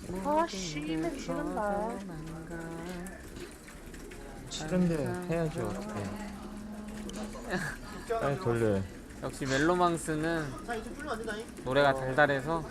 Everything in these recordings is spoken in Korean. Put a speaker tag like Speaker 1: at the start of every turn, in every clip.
Speaker 1: 아씨 맨 싫은다.
Speaker 2: 싫은데 해야죠. 어떡해. 빨리 돌려.
Speaker 3: 역시 멜로망스는 노래가 달달해서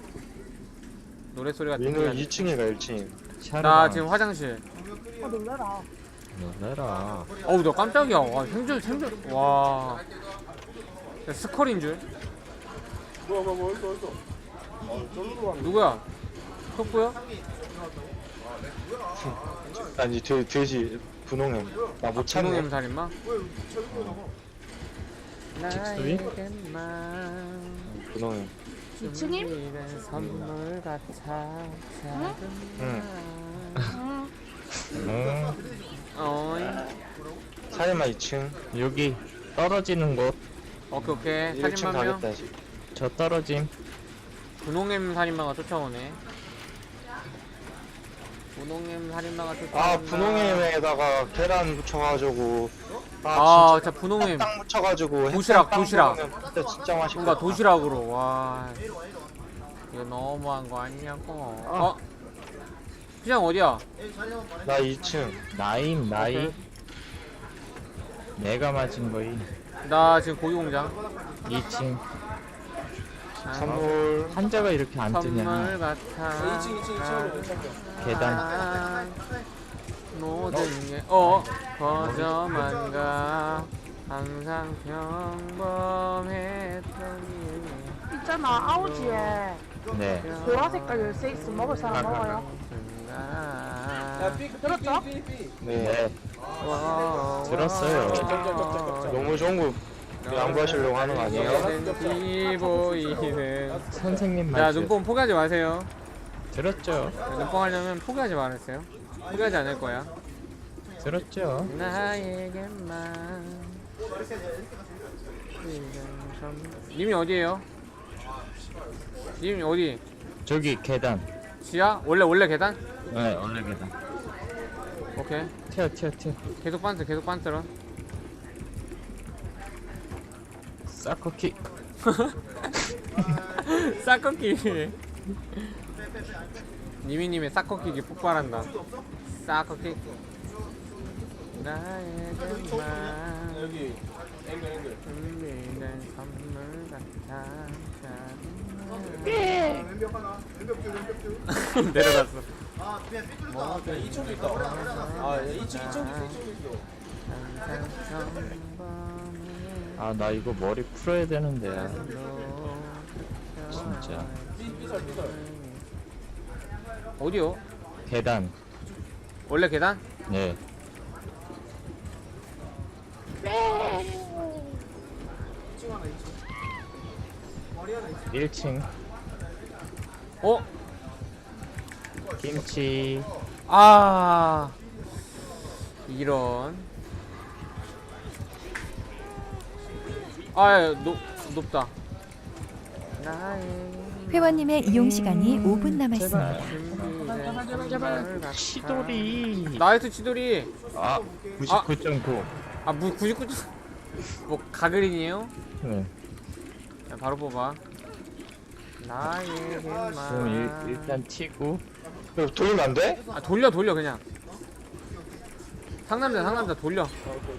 Speaker 3: 노래 소리가
Speaker 4: 민우
Speaker 3: 들리지.
Speaker 4: 2층이가 1층.
Speaker 3: 나 지금 화장실.
Speaker 1: 아 놀래라.
Speaker 2: 놀래라.
Speaker 3: 어우 나 깜짝이야. 와 생존 와 야, 스컬인 줄. 누구야? 톡보야?
Speaker 4: 아니 돼지 분홍햄. 나 못
Speaker 3: 진홍
Speaker 4: 찾네.
Speaker 3: 살인마?
Speaker 2: 직수이?
Speaker 4: 분홍햄.
Speaker 1: 2층임?
Speaker 3: 준비된 선물 같아
Speaker 4: 응.
Speaker 3: 어이.
Speaker 4: 살인마 2층.
Speaker 2: 여기 떨어지는 곳.
Speaker 3: 오케이
Speaker 4: 1층
Speaker 3: 살인마 명.
Speaker 4: 가겠다 지금.
Speaker 2: 저 떨어짐.
Speaker 3: 분홍엠 살인마가 쫓아오네. 분홍엠 살인마가 쫓아온다.
Speaker 4: 아 분홍햄에다가 계란 묻혀가지고.
Speaker 3: 아
Speaker 4: 진짜
Speaker 3: 진짜 분홍엠
Speaker 4: 딱 묻혀가지고.
Speaker 3: 도시락,
Speaker 4: 햇반
Speaker 3: 도시락.
Speaker 4: 먹으면 진짜 진짜 맛있고.
Speaker 3: 뭔가 도시락으로. 와 이거 너무한 거 아니냐고. 시장 어디야?
Speaker 4: 나 2층.
Speaker 2: 나임 나이.
Speaker 3: 오케이.
Speaker 2: 내가 맞은 거이.
Speaker 3: 나 지금 고기공장.
Speaker 2: 2층.
Speaker 4: 선물.
Speaker 2: 한자가 이렇게 안
Speaker 3: 선물
Speaker 2: 뜨냐.
Speaker 3: 같아.
Speaker 2: 계단.
Speaker 3: 모든 게 거저만 가. 항상 평범했던 일.
Speaker 1: 있잖아 아우지에
Speaker 2: 네.
Speaker 1: 보라 색깔 열쇠 있으면 먹을 사람 먹어요. 들었죠?
Speaker 4: 네.
Speaker 2: 들었어요.
Speaker 4: 너무 좋은 거 양보하시려고 하는 거 아니에요?
Speaker 3: 보이는.
Speaker 2: 선생님
Speaker 3: 자
Speaker 2: 말씀.
Speaker 3: 눈뽕 포기하지 마세요.
Speaker 2: 들었죠.
Speaker 3: 눈뽕 하려면 포기하지 말았어요. 포기하지 않을 거야.
Speaker 2: 들었죠.
Speaker 3: 나에게만. 님이 어디에요? 님이 어디?
Speaker 2: 저기 계단.
Speaker 3: 지하? 원래 계단?
Speaker 2: 네 원래 계단.
Speaker 3: 오케이.
Speaker 2: 튀어.
Speaker 3: 계속 반스런.
Speaker 2: 사커킥.
Speaker 3: 사커킥. 니미님의 사커킥이 폭발한다. 사커킥. 나에게만 준비된 선물 같아. 내려갔어.
Speaker 5: 이쪽에 있다. 아, 2층 있어.
Speaker 2: 아 나 이거 머리 풀어야 되는데. 진짜.
Speaker 5: 삐살.
Speaker 3: 어디요?
Speaker 2: 계단.
Speaker 3: 원래 계단?
Speaker 2: 네. 1층.
Speaker 3: 어?
Speaker 2: 김치.
Speaker 3: 아 이런. 아 높다.
Speaker 6: 회원님의 이용 시간이 5분 남았습니다.
Speaker 3: 제발.
Speaker 2: 치돌이.
Speaker 3: 나이스 치돌이.
Speaker 2: 아 99.9.
Speaker 3: 아 99. 뭐 가그린이에요?
Speaker 2: 네.
Speaker 3: 자, 바로 뽑아. 나에게만.
Speaker 2: 그럼 일단 튀고.
Speaker 4: 이거 돌리면 안 돼?
Speaker 3: 아 돌려 그냥. 상남자 돌려.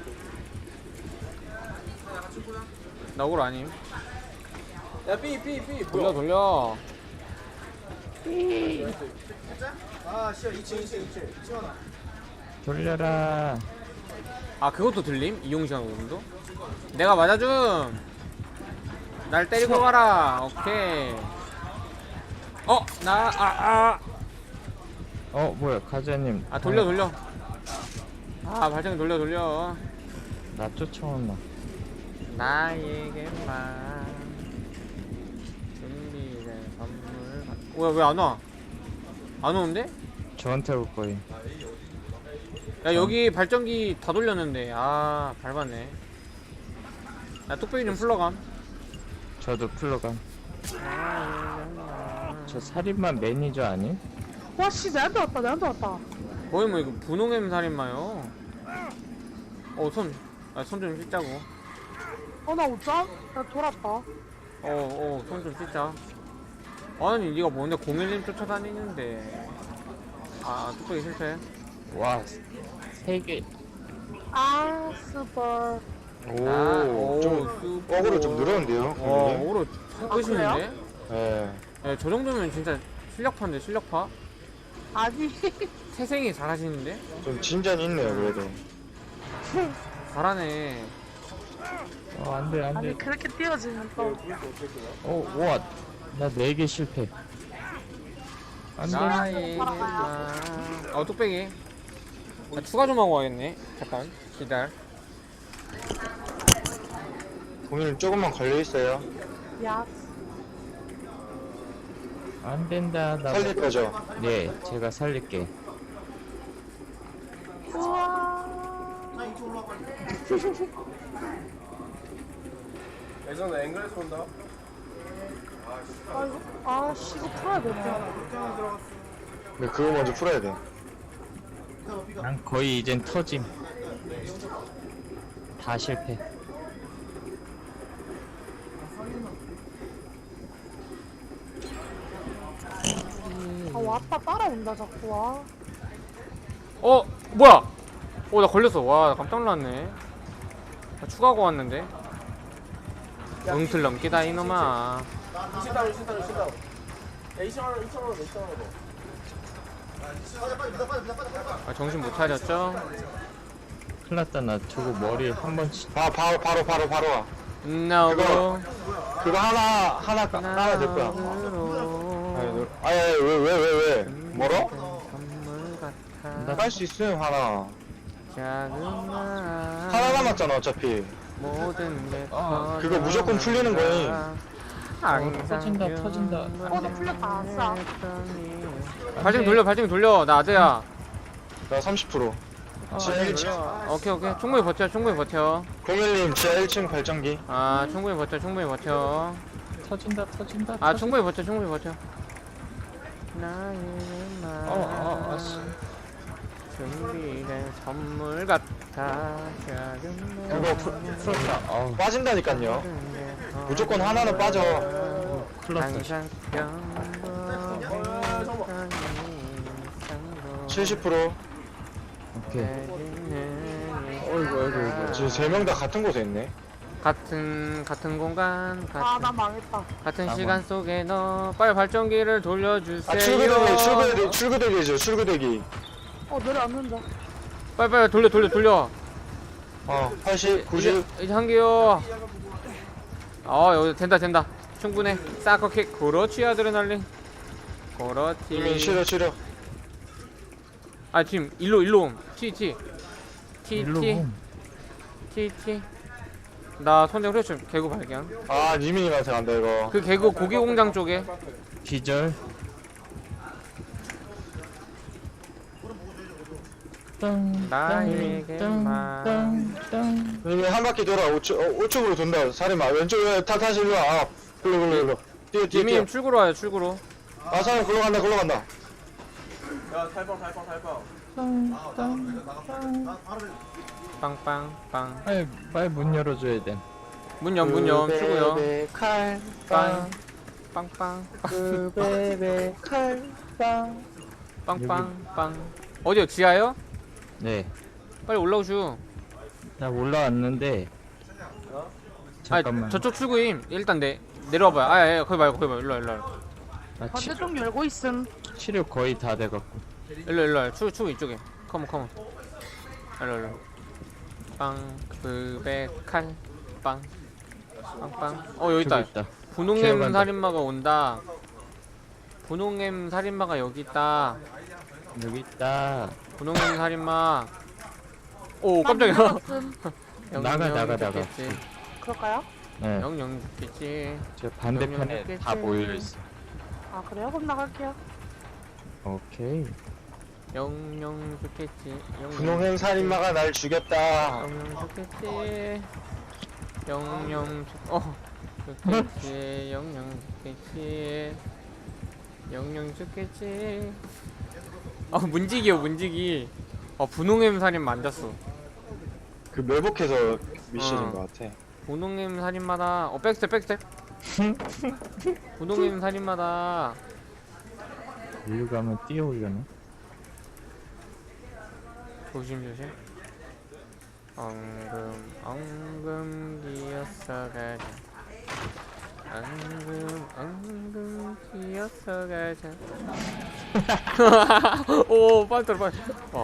Speaker 3: 나 억울 아님.
Speaker 5: 야, 삐.
Speaker 3: 돌려.
Speaker 5: 아, 씨야, 2층 하나.
Speaker 2: 돌려라.
Speaker 3: 아 그것도 들림? 이용시간 오름도? 내가 맞아줌. 날 때리고 가라. 오케이.
Speaker 2: 뭐야 가자님.
Speaker 3: 돌려. 아 발전기 돌려.
Speaker 2: 나 쫓아온다.
Speaker 3: 나에게만 준비된 선물. 왜 안 와? 안 오는데?
Speaker 2: 저한테 올 거임.
Speaker 3: 야 여기 발전기 다 돌렸는데. 아 밟았네. 야 뚝배기 좀 풀러감.
Speaker 2: 저도 풀러감. 저 살인마 매니저 아님?
Speaker 1: 와씨 내한테 왔다.
Speaker 3: 거의 뭐 이거 분홍엠 살인마요. 손 좀 씻자고.
Speaker 1: 나 웃자? 나 돌았다.
Speaker 3: 손 좀 씻자. 아니 니가 뭔데 01님 쫓아다니는데. 아 뚝배기 실패.
Speaker 2: 와, 3개.
Speaker 1: 아 스벌.
Speaker 4: 오좀 어그로 좀 늘었는데요
Speaker 3: 와
Speaker 4: 공일님?
Speaker 3: 오로 끝이는데?
Speaker 4: 예.
Speaker 3: 네, 저 정도면 진짜 실력파인데 실력파?
Speaker 1: 아니
Speaker 3: 태생이 잘하시는데?
Speaker 4: 좀 진전이 있네요 그래도.
Speaker 3: 잘하네.
Speaker 2: 안 돼, 안 돼.
Speaker 1: 아니 그렇게 띄워지면 또
Speaker 2: 와, 나 4개 실패. 안 돼.
Speaker 3: 나의 뚝배기. 나 추가 좀 하고 와야겠네. 잠깐 기다려.
Speaker 4: 공일님 조금만 걸려있어요.
Speaker 1: 야.
Speaker 2: 안 된다. 나.
Speaker 4: 살릴 거죠?
Speaker 2: 네, 제가 살릴게.
Speaker 1: 우와.
Speaker 5: 예전에 앵글에서 온다.
Speaker 1: 아 이거 풀어야 되네.
Speaker 4: 네, 그거 먼저 풀어야 돼.
Speaker 2: 난 거의 이젠 터짐. 다 실패.
Speaker 1: 아 왔다 따라온다 자꾸 와.
Speaker 3: 뭐야? 나 걸렸어. 와, 나 깜짝 놀랐네. 나 추가하고 왔는데. 응틀 넘기다 이놈아.
Speaker 5: 20다운. 야 2,000원.
Speaker 3: 아, 정신 못 차렸죠?
Speaker 2: 큰일 났다. 나 저거 머리에 한 번씩.
Speaker 4: 바로 와.
Speaker 3: No.
Speaker 4: 그거 하나 까야 될 거야. 왜? 멀어?
Speaker 3: 선물 같아.
Speaker 4: 나 깔 수 있음 하나.
Speaker 3: 작은 나.
Speaker 4: 하나 남았잖아 어차피.
Speaker 3: 모든 게
Speaker 4: 그거 무조건 풀리는 거임.
Speaker 2: 터진다.
Speaker 1: 나 풀렸다. 아싸.
Speaker 3: 발등 돌려. 나 아재야.
Speaker 4: 나 30%. 지하 1층.
Speaker 3: 오케이. 충분히 버텨.
Speaker 4: 01님 지하 1층 발전기.
Speaker 3: 아, 충분히 버텨.
Speaker 2: 터진다.
Speaker 3: 아, 충분히 버텨. 나의 말.
Speaker 2: 씨.
Speaker 3: 준비된 선물 같아. 작은
Speaker 2: 그거 풀었다. 어우,
Speaker 4: 빠진다니깐요. 무조건 하나는 빠져.
Speaker 2: 큰일 났어.
Speaker 3: 항상
Speaker 4: 70%.
Speaker 2: 오케이.
Speaker 4: 지금 3명 다 같은 곳에 있네.
Speaker 3: 같은 공간,
Speaker 1: 아 나 망했다.
Speaker 3: 같은
Speaker 2: 나만.
Speaker 3: 시간 속에 너 빨리 발전기를 돌려주세요.
Speaker 4: 아 출구대기.
Speaker 1: 내려앉는다.
Speaker 3: 빨리 돌려.
Speaker 4: 80, 90.
Speaker 3: 이제 한 개요. 여기 된다. 충분해. 사커킥. 그렇지 아드레날린.
Speaker 4: 이미
Speaker 3: 그렇지.
Speaker 4: 치료.
Speaker 3: 아 지금 일로 옴. T.
Speaker 2: 일로 봄.
Speaker 3: 나 선생 후레쉬 개구 발견.
Speaker 4: 아 니민님한테 간다 이거.
Speaker 3: 그 개구 고기 공장 쪽에.
Speaker 2: 기절.
Speaker 3: 나에게만.
Speaker 4: 니민 한 바퀴 돌아. 우측으로 돈다. 살인마 왼쪽에 다시 일로 와. 글로. 뛰어.
Speaker 3: 이미님 출구로 와요. 출구로.
Speaker 4: 아 사람 글로 간다.
Speaker 5: 야 탈방.
Speaker 3: 빵빵빵.
Speaker 2: 빨리 문 열어줘야 돼.
Speaker 3: 문 염. 출구요.
Speaker 4: 칼빵.
Speaker 3: 빵빵.
Speaker 4: 베베 칼빵.
Speaker 3: 빵빵빵. 어디요? 지하요?
Speaker 2: 네.
Speaker 3: 빨리 올라오슈.
Speaker 2: 나 올라왔는데. 잠깐만.
Speaker 3: 저쪽 출구임. 일단 내려와봐요. 거기 말고 일로 와.
Speaker 2: 나
Speaker 1: 반대쪽 열고 있음.
Speaker 2: 치료 거의 다 돼갖고.
Speaker 3: 일로. 출구 이쪽에. 컴온. 일로. 빵. 그배 칼. 빵. 빵빵. 여기 있다. 분홍엠
Speaker 2: 기어간다.
Speaker 3: 살인마가 온다. 분홍엠 살인마가 여기 있다.
Speaker 2: 여기 있다.
Speaker 3: 분홍엠 살인마. 오 깜짝이야.
Speaker 2: 나가.
Speaker 3: 죽겠지.
Speaker 1: 그럴까요?
Speaker 2: 네.
Speaker 3: 영영 죽겠지.
Speaker 2: 저 반대편에
Speaker 3: 영영
Speaker 2: 다 모여 있어.
Speaker 1: 아 그래요? 그럼 나갈게요.
Speaker 2: 오케이.
Speaker 3: 영영 죽겠지.
Speaker 4: 분홍행 살인마가 날 죽였다.
Speaker 3: 영영 죽겠지. 영영 죽겠지. 문지기. 분홍엠 살인 만졌어.
Speaker 4: 그 매복해서 미션인 것 같아.
Speaker 3: 분홍엠 살인마다. 백스텝. 우동에 있는 살인마다.
Speaker 2: 일로 가면 뛰어올려나?
Speaker 3: 조심조심. 엉금 기어서 가자. 엉금 기어서 가자. 오 빨리 빨리.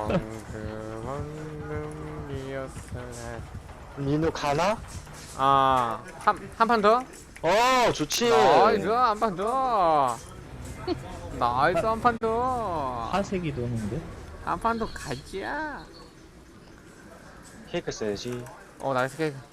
Speaker 3: 엉금 기어서 가자.
Speaker 4: 민우 가나?
Speaker 3: 한 판 더?
Speaker 4: 좋지.
Speaker 3: 나이스 한 판 더. 나이스 한 판 더.
Speaker 2: 화색이 도는데?
Speaker 3: 한 판 더 가자.
Speaker 4: 케이크 써야지.
Speaker 3: 나이스 케이크.